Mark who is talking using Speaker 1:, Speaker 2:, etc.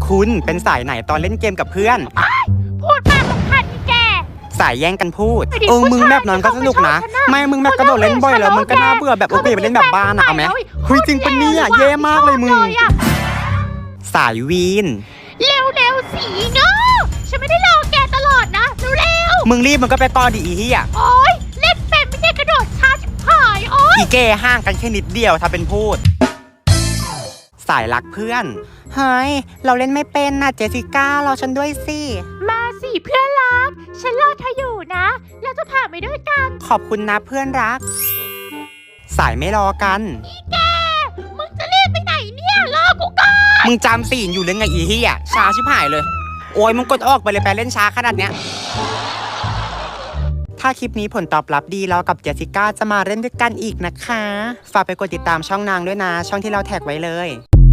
Speaker 1: คุณเป็นสายไหนตอนเล่นเกมกับเพื่อน
Speaker 2: พูดมากกับพันนี่แก
Speaker 1: สายแย่งกันพูดมึงแบบนั้นก็สนุกนะไม่มึงแบบกระโดดเล่นบ่อยแล้วมึงก็น่าเบื่อแบบโอเคไปเล่นแบบบ้านอะเอาไหมเฮ้ยจริงปะเนี่ยเย่มากเลยมึงสายวีน
Speaker 2: เร็วสีเนาะฉันไม่ได้รอแกตลอดนะเร็ว
Speaker 1: มึงรีบมึงก็ไปก่อนดิอีเหี้ย
Speaker 2: โอ๊ยเล่นเป็นไม่ใช่กระโดดช้าชิบหายโอ๊ย
Speaker 1: อีเก้ห่างกันแค่นิดเดียวถ้าเป็นพูดสายรักเพื่อนเฮ้ยเราเล่นไม่เป็นนะเจสสิก้ารอฉันด้วยสิ
Speaker 2: มาสิเพื่อนรักฉันรอเธออยู่นะแล้วจะผ่านไปด้วยกัน
Speaker 1: ขอบคุณนะเพื่อนรักสายไม่รอกัน
Speaker 2: อีแกมึงจะรีบไปไหนเนี่ยรอกูก่อน
Speaker 1: มึงจำศีลอยู่หรือไงอีเหี้ยช้าชิบหายเลยโอ้ยมึงกดออกไปเลยไปเล่นช้าขนาดเนี้ยถ้าคลิปนี้ผลตอบรับดีเรากับเจสสิก้าจะมาเล่นด้วยกันอีกนะคะฝากไปกดติดตามช่องนางด้วยนะช่องที่เราแท็กไว้เลย